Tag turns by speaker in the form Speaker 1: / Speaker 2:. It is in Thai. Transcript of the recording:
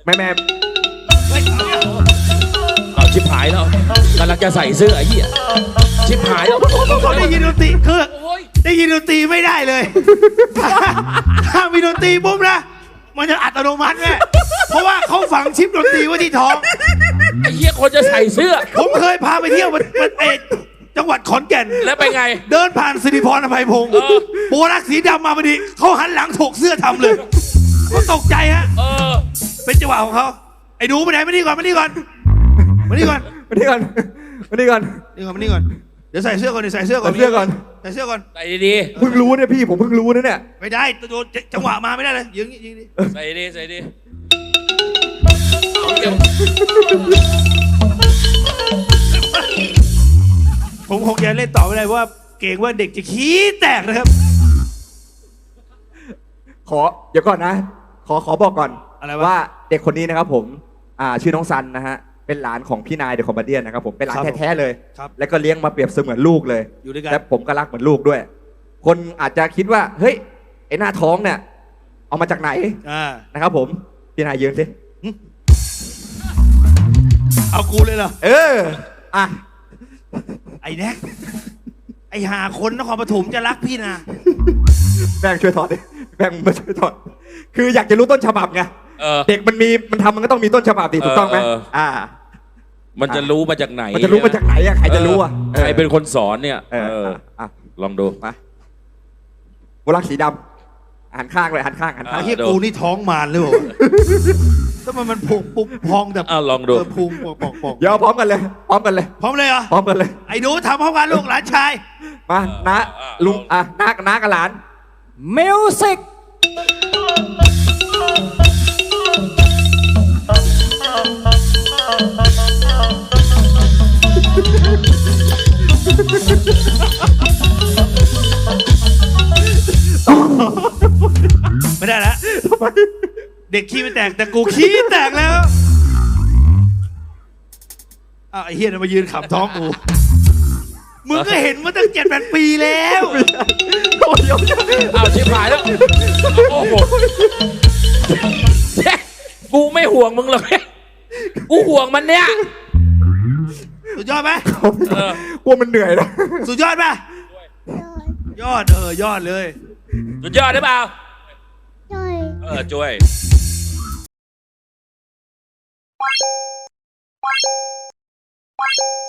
Speaker 1: แม่
Speaker 2: เอาชิบหายแล้วกำลังจะใส่เสื้อไอ้เหี้ยชิบหายแล้ว
Speaker 3: เขาได้ยินดนตรีคือได้ยินดนตรีไม่ได้เลยถ้ามีดนตรีปุ๊บนะมันจะอัตโนมัติแม่เพราะว่าเขาฝังชิปดนตรีไว้ที่ท้อง
Speaker 2: ไอ้เหี้ยคนจะใส่เสื้อ
Speaker 3: ผมเคยพาไปเที่ยวจังหวัดขอนแก่น
Speaker 2: แล้วไปไง
Speaker 3: เดินผ่านสิริพรอภัยพงศ์โบรักสีดำมาพอดีเขาหันหลังถกเสื้อทำเลยเขาตกใจฮะเป็นจังหวะของเขาไอ้ดูไปไหนมานี่ก่อนมานี่ก่อนมานี่ก่อน
Speaker 1: มานี่ก่อนมานี่ก่อน
Speaker 3: นี่ก่อนมานี่ก่อนเดี๋ยวใส่เสื้อก่อนเดี๋ยวใส่เสื้อก่อน
Speaker 1: ใส่เสื้อก่อน
Speaker 3: ใส่เสื้อก่อน
Speaker 2: ใส่ดี
Speaker 1: เพิ่งรู้เนี่ยพี่ผมเพิ่งรู้นะเนี่ย
Speaker 3: ไม่ได้โดนจังหวะมาไม่ได้เลยยิงยิงดิ
Speaker 2: ๆใส่ดีใส่ดี
Speaker 3: ผมคงจะเล่นต่อไม่ได้เพราะว่าเก่งว่าเด็กจะขี้แตกนะครับ
Speaker 1: เดี๋ยวก่อนนะ ขอบอกก่อน
Speaker 3: อะไรวะ
Speaker 1: ว่าเด็กคนนี้นะครับผมชื่อน้องซันนะฮะเป็นหลานของพี่นายเดอะคอมเมดี้นะครับผมเป็นหลานแท้ๆเลย
Speaker 3: ครับ
Speaker 1: แล้วก็เลี้ยงมาเปรียบเสมือนลูกเลย
Speaker 3: อยู่ด้วยกัน
Speaker 1: และผมก็รักเหมือนลูกด้วย คนอาจจะคิดว่าเฮ้ยไอ้หน้าท้องเนี่ยเอามาจากไหนนะครับผมพี่นายยืนสิ
Speaker 3: เอากูเลยเหรอ
Speaker 1: อ่ะ
Speaker 3: ไอ้แน็กไอ้หาคนนครปฐมจะรักพี่นะ
Speaker 1: แบงค์ช่วยถอดดิแบงค์มาช่วยถอดคืออยากจะรู้ต้นฉบับไงเด็กมันทำมันก็ต้องมีต้นฉบับดิถูกต้องไหม
Speaker 2: มันจะรู้มาจากไหน
Speaker 1: มันจะรู้มาจากไหนอะใครจะรู้อะ
Speaker 2: ใครเป็นคนสอนเนี่ยลองดู
Speaker 1: มาโบลักสีดำหันข้างเลยหันข้าง
Speaker 3: ไอ้ที่กูนี่ท้องมารเลยเหรอทำไมมันพุงปุ๊บพองแบบ
Speaker 2: ลองดู
Speaker 3: พุงปอก
Speaker 1: เดี๋ยวพร้อมกันเลยพร้อมกันเลย
Speaker 3: พร้อมเลยเหรอ
Speaker 1: พร้อมกันเลย
Speaker 3: ไอ้ดูทำพร้อมกันลูกหลานชาย
Speaker 1: มาน้าลุงน้ากับหลาน
Speaker 4: มิวสิก
Speaker 3: ไม่ได้แล้วเด็กขี้ไม่แตกแต่กูขี้แตกแล้วไอ้เฮียมายืนขับท้องกูมึงก็เห็นมาตั้ง7-8 ปีแล้ว
Speaker 2: เอาชิบหายแล้วโอ้โหกูไม่ห่วงมึงหรอกกูห่วงมันเนี่ย
Speaker 3: สุดยอดไหม
Speaker 1: กลัวมันเหนื่อยนะ
Speaker 3: สุดยอดป่ะยอดยอดเลย
Speaker 2: สุดยอดได้เปล่า
Speaker 5: ช่วย
Speaker 2: ช่วย